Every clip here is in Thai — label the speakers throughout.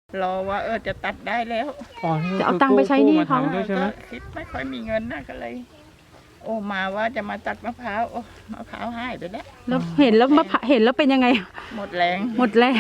Speaker 1: รอว่าจะตัดได้แล้ว
Speaker 2: จะเอาตังค์ไปใช้หนี้เขา
Speaker 1: ก็คิดไม่ค่อยมีเงินนะก็เลย มาว่าจะมาตัดมะพร้าวมะพร้าวหายไปแล้ว
Speaker 2: แล้วเห็นแล้วเห็นแล้วเป็นยังไง
Speaker 1: หมดแรง
Speaker 2: หมดแรง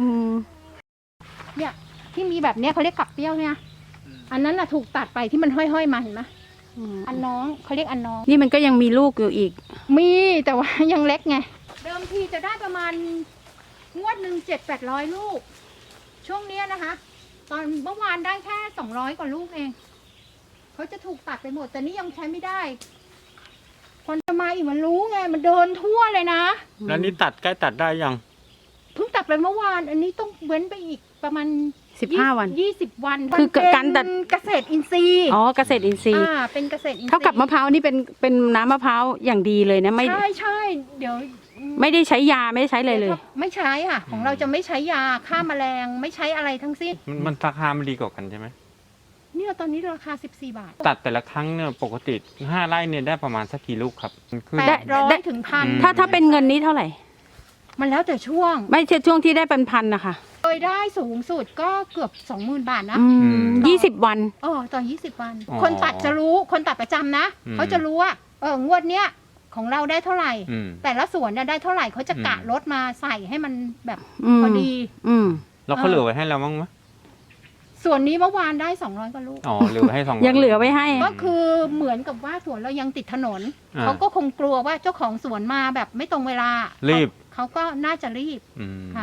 Speaker 3: เนี่ยที่มีแบบเนี้ยเขาเรียกกับเปรี้ยวเนี่ยอันนั้นน่ะถูกตัดไปที่มันห้อยๆมาเห็นไหมอันน้องเขาเรียกอันน้อง
Speaker 2: นี่มันก็ยังมีลูกอยู่อีก
Speaker 3: มีแต่ว่ายังเล็กไงเดิมทีจะได้ประมาณงวดหนึ่ง700-800 ลูกช่วงนี้นะคะตอนเมื่อวานได้แค่200 กว่าลูกเองเขาจะถูกตัดไปหมดแต่นี่ยังใช้ไม่ได้คนจะมาอีกมันรู้ไงมันเดินทั่วเลยนะ
Speaker 4: แล้วนี่ตัดใกล้ตัดได้ยัง
Speaker 3: เพิ่งตัดไปเมื่อวานอันนี้ต้องเว้นไปอีกประมาณ
Speaker 2: 15 วัน
Speaker 3: 20 วัน
Speaker 2: คือการตัด
Speaker 3: เกษตรอินทรีย์
Speaker 2: เกษตรอินทรีย์
Speaker 3: เป็นเกษตรอินทรีย์
Speaker 2: เท่ากับมะพร้าวนี่เป็นน้ำมะพร้าวอย่างดีเลยนะไม่
Speaker 3: ใช่เดี๋ยว
Speaker 2: ไม่ได้ใช้ยาไม่ได้ใช้เลย
Speaker 3: ไม่ใช้ค่ะของเราจะไม่ใช้ยาฆ่าแมลงไม่ใช้อะไรทั้งสิ้น
Speaker 4: มันราคามันดีกว่ากันใช่ไหม
Speaker 3: เนี่ยตอนนี้ราคา14 บาท
Speaker 4: ตัดแต่ละครั้งเนี่ยปกติ5 ไร่เนี่ยได้ประมาณสักกี่ลูกครับ
Speaker 3: 800 ถึง 1,000
Speaker 2: ถ้าเป็นเงินนี้เท่าไหร่
Speaker 3: มันแล้วแต่ช่วง
Speaker 2: ไม่ใช่ช่วงที่ได้เป็นพันนะคะ
Speaker 3: เคยได้สูงสุดก็เกือบ 20,000 บาทนะ
Speaker 2: 20 วัน
Speaker 3: ต่อ20 วันคนตัดจะรู้คนตัดประจำนะเขาจะรู้ว่างวดเนี้ยของเราได้เท่าไหร่แต่ละสวนเนี่ยได้เท่าไหร่เขาจะกะลดมาใส่ให้มันแบบพอดี
Speaker 4: แล้วเขาเหลือไว้ให้เราบ้างไหม
Speaker 3: ส่วนนี้เมื่อวานได้200 กว่าลูก
Speaker 4: เหลือให้200
Speaker 2: ยังเหลือไว้ให้
Speaker 3: ก็คือเหมือนกับว่าสวนเรายังติดถนนเขาก็คงกลัวว่าเจ้าของสวนมาแบบไม่ตรงเวลา
Speaker 4: รีบ
Speaker 3: เขาก็น่าจะรีบค่ะ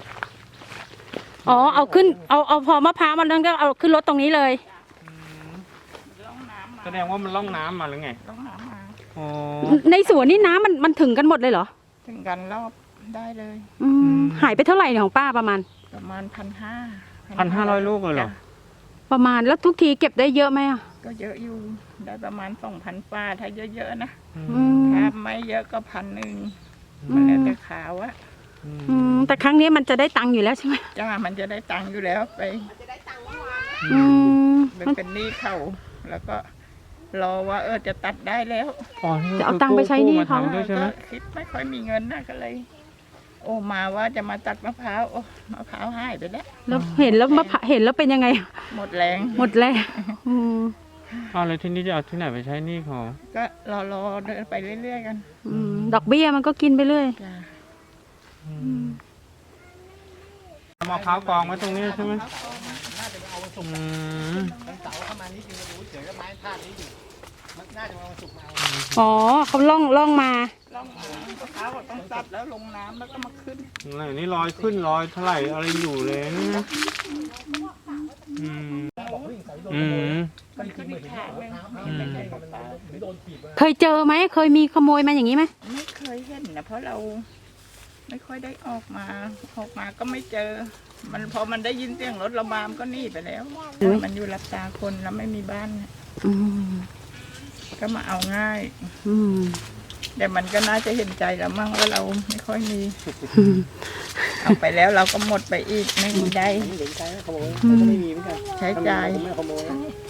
Speaker 2: เอาขึ้นเอาพอมะพร้าวมันนั้นก็เอาขึ้นรถตรงนี้เลย
Speaker 4: แสดงว่ามันล่องน้ำมาหรือไง
Speaker 1: ล่องน้ำมา
Speaker 2: ในสวนนี่น้ำมันถึงกันหมดเลยเหรอ
Speaker 1: ถึงกันรอบได้เลย
Speaker 2: หายไปเท่าไหร่ของป้าประมาณ
Speaker 4: 1,500 ลูกเลยเหรอ
Speaker 2: ประมาณแล้วทุกทีเก็บได้เยอะไหม
Speaker 1: ก็เยอะอยู่ได้ประมาณ 2,000 ป้าถ้าเยอะๆนะถ้าไม่เยอะก็1,000มันแล้วแต่ขาวอะ
Speaker 2: แต่ครั้งนี้มันจะได้ตังค์อยู่แล้วใช่ไหม
Speaker 1: จ้ามันจะได้ตังค์อยู่แล้วไปเป็นหนี้เขาแล้วก็รอว่าจะตัดได้แล้ว
Speaker 2: จะเอาตังค์ไปใช้หนี้เขา
Speaker 1: ก็คิดไม่ค่อยมีเงินนะก็เลยมาว่าจะมาตัดมะพร้าวมะพร้าวหายไปแล้ว
Speaker 2: เห็นแล้วเป็นยังไง
Speaker 1: หมดแรง
Speaker 4: เลยที่นี่จะเอาที่ไหนไปใช้หนี้เขา
Speaker 1: ก็รอเดินไปเรื่อยๆกัน
Speaker 2: ดอกเบี้ยมันก็กินไปเรื่อย
Speaker 4: มะพร้าวกองไว้ตรงนี้ใช่ไหม
Speaker 2: เขาล่องมาม
Speaker 1: ะพร้าวต้องตัดแล้วลงน้ำแล้วก็มาขึ้น
Speaker 4: นี่ลอยขึ้นลอยเท่าไหร่อะไรอยู่เลยนะ
Speaker 2: เคยเจอไหมเคยมีขโมยมาอย่างนี้ไหม
Speaker 1: ไม่เคยเห็นนะเพราะเราไม่ค่อยได้ออกมาก็ไม่เจอมันพอมันได้ยินเสียงรถระบามก็หนีไปแล้วมันอยู่รับตาคนแล้วไม่มีบ้านก็มาเอาง่ายแต่มันก็น่าจะเห็นใจเรามั่งว่าเราไม่ค่อยมีเอาไปแล้วเราก็หมดไปอีกไม่มีได้ใช้จ่าย